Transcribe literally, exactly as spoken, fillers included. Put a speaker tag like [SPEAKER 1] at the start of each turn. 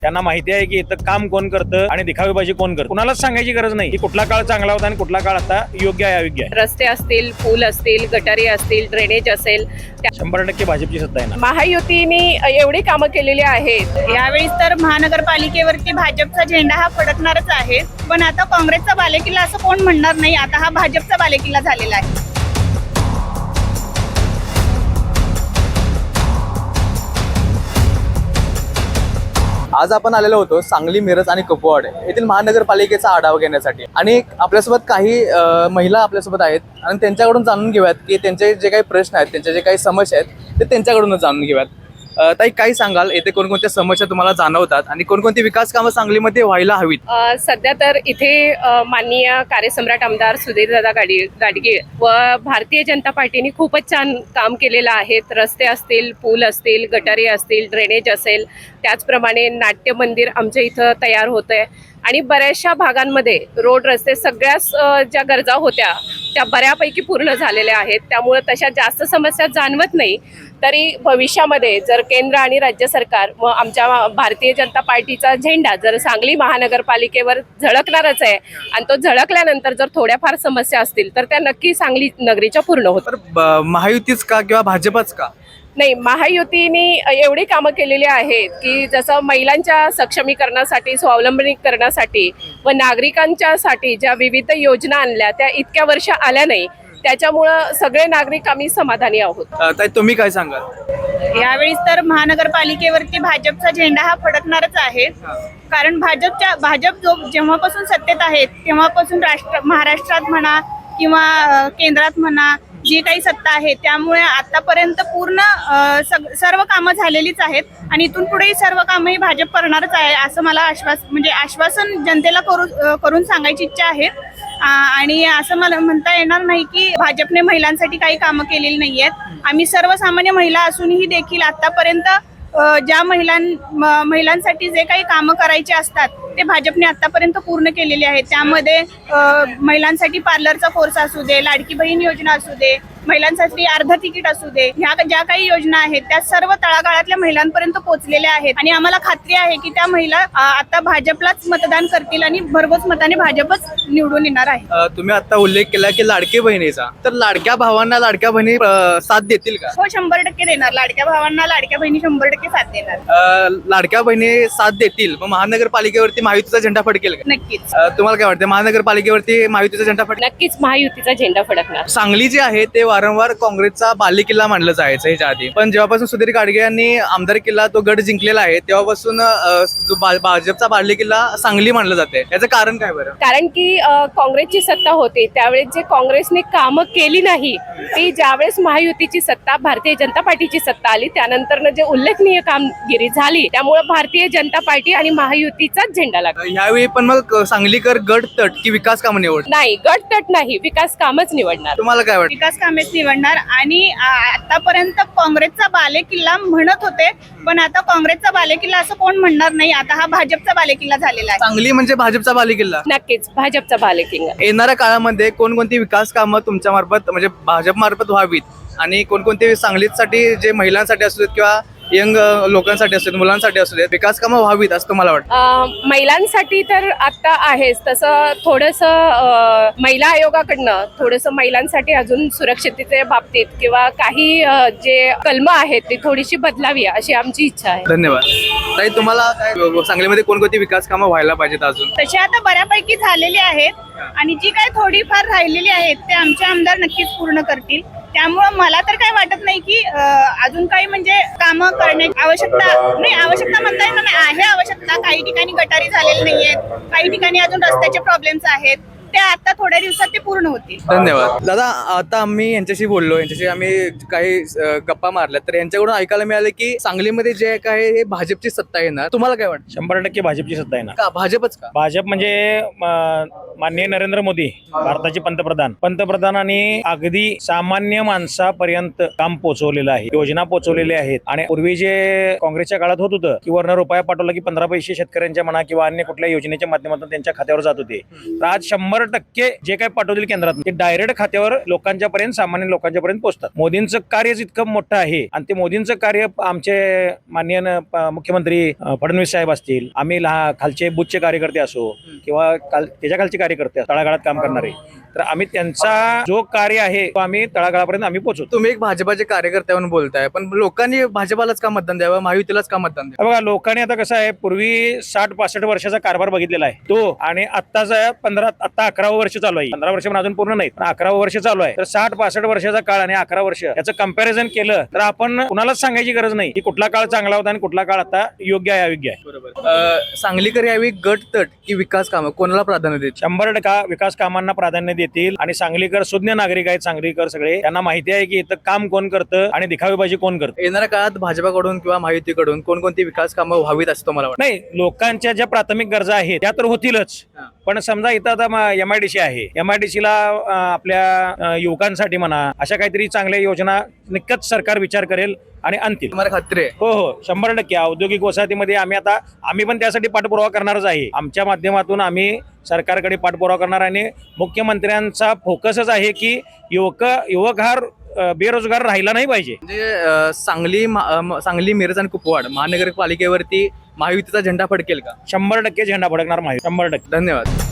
[SPEAKER 1] त्यांना माहिती आहे की इथं काम कोण करतं आणि दिखावेबाजी कोण करतं. कुणालाच सांगायची गरज नाही की कुठला काळ चांगला होता आणि कुठला काळ आता योग्य आहे अयोग्य आहे.
[SPEAKER 2] रस्ते असतील, पूल असतील, गटारी असतील, ड्रेनेज असेल,
[SPEAKER 1] शंभर टक्के भाजपची सत्ता आहे ना.
[SPEAKER 2] महायुतीने एवढी कामं केलेली आहेत.
[SPEAKER 3] यावेळेस तर महानगरपालिकेवरती भाजपचा झेंडा हा फडकणारच आहे. पण आता काँग्रेसचा बालेकिल्ला असं कोण म्हणणार नाही. आता हा भाजपचा बालेकिल्ला झालेला आहे.
[SPEAKER 4] आज आपण आलेलो होतो सांगली, मिरज आणि कुपवाड येथील महानगरपालिकेचा आढावा घेण्यासाठी आणि आपल्यासोबत काही अ, महिला आपल्यासोबत आहेत आणि त्यांच्याकडून जाणून घेऊयात की त्यांचे जे काही प्रश्न आहेत, त्यांचे जे काही समस्या आहेत ते त्यांच्याकडूनच जाणून घेऊयात. अ, ताई, काय सांगाल, येथे कोणकोणत्या समस्या तुम्हाला जाणवतात आणि कोणकोणती विकास कामं सांगलीमध्ये व्हायला हवीत?
[SPEAKER 2] अ, सध्या तर इथे अ, माननीय कार्यसम्राट आमदार सुधीरदादा गाडी गाडगे व भारतीय जनता पार्टीने खूपच छान काम केलेलं आहे. रस्ते असतील, पूल असतील, गटारी असतील, ड्रेनेज असेल, त्याचप्रमाणे नाट्य मंदिर आमच्या इथं तयार होतं आहे आणि बऱ्याचशा भागांमध्ये रोड रस्ते सगळ्याच अ, ज्या गरजा होत्या त्या बऱ्यापैकी पूर्ण झालेल्या आहेत. त्यामुळे तशा जास्त समस्या जाणवत नाही. तरी भविष्यामध्ये जर केंद्र आणि राज्य सरकार व आमच्या भारतीय जनता पार्टीचा झेंडा जर सांगली महानगरपालिकेवर झळकणारच आहे आणि तो झळकल्यानंतर जर थोड्याफार समस्या असतील तर त्या नक्की सांगली नगरीच्या पूर्ण होतात.
[SPEAKER 4] तर ब- महायुतीच का किंवा भाजपच का?
[SPEAKER 2] नाही, महायुतीने एवढी कामं केलेली आहेत की जसं महिलांच्या सक्षमीकरणासाठी, स्वावलंबनीकरणासाठी व नागरिकांच्यासाठी ज्या विविध योजना आणल्या त्या इतक्या वर्ष आल्या नाही. त्याच्यामुळं सगळे नागरिक आम्ही समाधानी आहोत.
[SPEAKER 4] अ, ताई, तुम्ही काय सांगाल?
[SPEAKER 3] यावेळेस तर महानगरपालिकेवरती भाजपचा झेंडा हा फडकणारच आहे. कारण भाजपच्या भाजप जो जेव्हापासून सत्तेत आहेत तेव्हापासून राष्ट्र महाराष्ट्रात म्हणा किंवा अ, केंद्रात म्हणा जी काही सत्ता आहे त्यामुळे आतापर्यंत पूर्ण अ, सग सर्व कामं झालेलीच आहेत आणि इथून पुढेही सर्व कामं ही भाजप करणारच आहे असं मला आश्वास म्हणजे आश्वासन जनतेला करू अ, करून सांगायची इच्छा आहे. आ, आणि असं मला म्हणता येणार नाही की भाजपने महिलांसाठी काही कामं केलेली नाही आहेत. आम्ही सर्वसामान्य महिला असूनही देखील आतापर्यंत अ, ज्या महिलां म- महिलांसाठी जे काही कामं करायचे असतात ते भाजपने आतापर्यंत पूर्ण केलेले आहेत. त्यामध्ये अ, महिलांसाठी पार्लरचा कोर्स असू दे, लाडकी बहीण योजना असू दे, महिलांसाठी अर्ध तिकीट असू दे, ह्या ज्या काही योजना आहेत त्या सर्व तळागाळातल्या महिलांपर्यंत पोहोचलेल्या आहेत आणि आम्हाला खात्री आहे की त्या महिला अ, आता भाजपलाच मतदान करतील आणि भरघोस मताने भाजपच निवडून येणार आहे.
[SPEAKER 4] अ, तुम्ही आता उल्लेख केला की लाडके बहिणीचा, तर लाडक्या भावांना लाडक्या बहिणी अ, साथ देतील का?
[SPEAKER 3] हो, शंभर टक्के देणार. लाडक्या भावांना लाडक्या बहिणी शंभर टक्के साथ देणार.
[SPEAKER 4] अ, लाडक्या बहिणी साथ देतील, मग महानगरपालिकेवरती महायुतीचा झेंडा फडकेल का?
[SPEAKER 3] नक्कीच.
[SPEAKER 4] अ, तुम्हाला काय वाटतं, महानगरपालिकेवरती महायुतीचा झेंडा फडकेल?
[SPEAKER 2] नक्कीच महायुतीचा झेंडा फडकणार.
[SPEAKER 4] सांगली जे आहे ते वारंवार काँग्रेसचा बालेकिल्ला मानलं जायचं ह्याच्या आधी, पण जेव्हापासून सुधीर गाडगे यांनी आमदार किल्ला तो गड जिंकलेला आहे तेव्हापासून अ, जो भा- भाजपचा बालेकिल्ला सांगली मानलं जाते. याचं कारण काय बरं?
[SPEAKER 2] कारण की अ, काँग्रेसची सत्ता होती त्यावेळेस जे काँग्रेसने कामं केली नाही ती ज्यावेळेस महायुतीची सत्ता, भारतीय जनता पार्टीची सत्ता आली त्यानंतर जे उल्लेखनीय कामगिरी झाली त्यामुळे भारतीय जनता पार्टी आणि महायुतीचाच झेंडा लागला.
[SPEAKER 4] ह्यावेळी पण मग सांगलीकर गट तट की विकास कामं निवड?
[SPEAKER 2] नाही, गट तट नाही, विकास कामच निवडणार.
[SPEAKER 4] तुम्हाला काय वाटतं?
[SPEAKER 3] विकास कामेच निवडणार आणि आ- आतापर्यंत काँग्रेसचा बालेकिल्ला म्हणत होते पण आता काँग्रेसचा बालेकिल्ला असं कोण म्हणणार नाही. आता हा भाजपचा बालेकिल्ला झालेला आहे.
[SPEAKER 4] सांगली म्हणजे भाजपचा बालेकिल्ला.
[SPEAKER 2] नक्कीच भाजपचा बालेकिल्ला.
[SPEAKER 4] येणाऱ्या काळामध्ये कोणकोणती विकास कामं तुमच्या मार्फत म्हणजे भाजप मार्फत व्हावीत आणि कोणकोणती सांगलीसाठी जे महिलांसाठी असू देत किंवा यंग लोकांसाठी असू देत, मुलांसाठी असू देत, विकास कामं व्हावीत असं तुम्हाला वाटतं?
[SPEAKER 2] अ, महिलांसाठी तर आता आहेच तसं थोडंसं अ, महिला आयोगाकडनं थोडंसं महिलांसाठी अजून सुरक्षिततेच्या बाबतीत किंवा काही अ, जे कलमं आहेत ती थोडीशी बदलावी अशी आमची इच्छा आहे.
[SPEAKER 4] धन्यवाद. ताई, तुम्हाला काय सांगलीमध्ये कोणकोणती विकास कामं व्हायला पाहिजेत अजून?
[SPEAKER 3] तशी आता बऱ्यापैकी झालेली आहेत आणि जी काही थोडीफार राहिलेली आहेत ते आमचे आमदार नक्कीच पूर्ण करतील. त्यामुळं मला तर काय वाटत नाही की अं, अजून काही म्हणजे कामं करण्याची आवश्यकता नाही. आवश्यकता म्हणता येणार नाही, आहे आवश्यकता. काही ठिकाणी गटारी झालेली नाहीयेत, काही ठिकाणी अजून रस्त्याचे प्रॉब्लेम्स आहेत, ते आता थोड्या दिवसात ते पूर्ण होतील.
[SPEAKER 4] धन्यवाद. दादा, आता आम्ही यांच्याशी बोललो, यांच्याशी आम्ही काही अ, गप्पा मारल्या, तर यांच्याकडून ऐकायला मिळालं की सांगलीमध्ये जे काय हे भाजपची सत्ता येणार. तुम्हाला काय वाटतं?
[SPEAKER 1] शंभर टक्के भाजपची सत्ता आहे ना.
[SPEAKER 4] का भाजपच का?
[SPEAKER 1] भाजप म्हणजे म, माननीय नरेंद्र मोदी भारताचे पंतप्रधान पंतप्रधानांनी अगदी सामान्य माणसापर्यंत काम पोहोचवलेलं आहे, योजना पोहोचवलेल्या आहेत. आणि पूर्वी जे काँग्रेसच्या काळात होत होतं की वर्ण रुपया पाठवला की पंधरा पैसे शेतकऱ्यांच्या म्हणा किंवा अन्य कुठल्या योजनेच्या माध्यमातून त्यांच्या खात्यावर जात होते, तर आज शंभर शंभर टक्के जे काही पाठवतील केंद्रात ते डायरेक्ट खात्यावर लोकांच्या पर्यंत सामान्य लोकांच्या पर्यंत पोहोचतात. मोदींचं कार्यच इतकं मोठं आहे आणि ते मोदींचं कार्य आमचे माननीय न- प- मुख्यमंत्री अ, फडणवीस साहेब असतील, आम्ही लहा खालचे बुथचे कार्यकर्ते असो किंवा काल त्याच्या खालचे कार्यकर्ते तळागाळात काम करणारे, तर आम्ही त्यांचा जो कार्य आहे तो आम्ही तळागाळापर्यंत आम्ही पोहोचवतो.
[SPEAKER 4] तुम्ही एक भाजपाचे कार्यकर्ते म्हणून बोलताय, पण लोकांनी भाजपालाच का मतदान द्यावं, महायुतीलाच का मतदान द्यावं?
[SPEAKER 1] बघा, लोकांनी आता कसं आहे, पूर्वी साठ पासष्ट वर्षाचा कारभार बघितलेला आहे तो, आणि आत्ताचा पंधरा आता अकरावं वर्ष चालू आहे. पंधरा वर्ष पण अजून पूर्ण नाही, पण अकरावं वर्ष चालू आहे. तर साठ पासष्ट वर्षाचा काळ आणि अकरा वर्ष याचं कंपॅरिझन केलं तर आपण कुणालाच सांगायची गरज नाही की कुठला काळ चांगला होता आणि कुठला काळ आता योग्य आहे अयोग्य आहे.
[SPEAKER 4] बरोबर. अं, सांगलीकर यावेळी गट तट की विकास कामं कोणाला प्राधान्य देत?
[SPEAKER 1] शंभर टक्का विकास कामांना प्राधान्य देतील आणि सांगलीकर सुज्ञ नागरिक आहेत. सांगलीकर सगळे त्यांना माहिती आहे की इथं काम कोण करतं आणि दिखावेबाजी कोण करतं.
[SPEAKER 4] येणाऱ्या काळात भाजपाकडून किंवा महायुतीकडून कोणकोणती विकास कामं व्हावीत असं तुम्हाला वाटतं?
[SPEAKER 1] नाही, लोकांच्या ज्या प्राथमिक गरजा आहेत त्या तर होतीलच, पण समजा इथं आता एम आय डी सी आहे, एम आय डी सी ला आपल्या अं, युवकांसाठी म्हणा अशा काहीतरी चांगल्या योजना नक्कीच सरकार विचार करेल आणि आणतील.
[SPEAKER 4] तुम्हाला खात्री आहे?
[SPEAKER 1] हो हो शंभर टक्के. औद्योगिक वसाहतीमध्ये आम्ही आता आम्ही पण त्यासाठी पाठपुरावा करणारच आहे. आमच्या माध्यमातून आम्ही सरकारकडे पाठपुरावा करणार आणि मुख्यमंत्र्यांचा फोकसच आहे की युवक युवक हा अं, बेरोजगार राहिला नाही पाहिजे.
[SPEAKER 4] म्हणजे अं, सांगली मा- अं, सांगली मिरज आणि कुपवाड महानगरपालिकेवरती महायुतीचा झेंडा फडकेल का?
[SPEAKER 1] शंभर टक्के झेंडा फडकणार माहिती, शंभर टक्के.
[SPEAKER 4] धन्यवाद.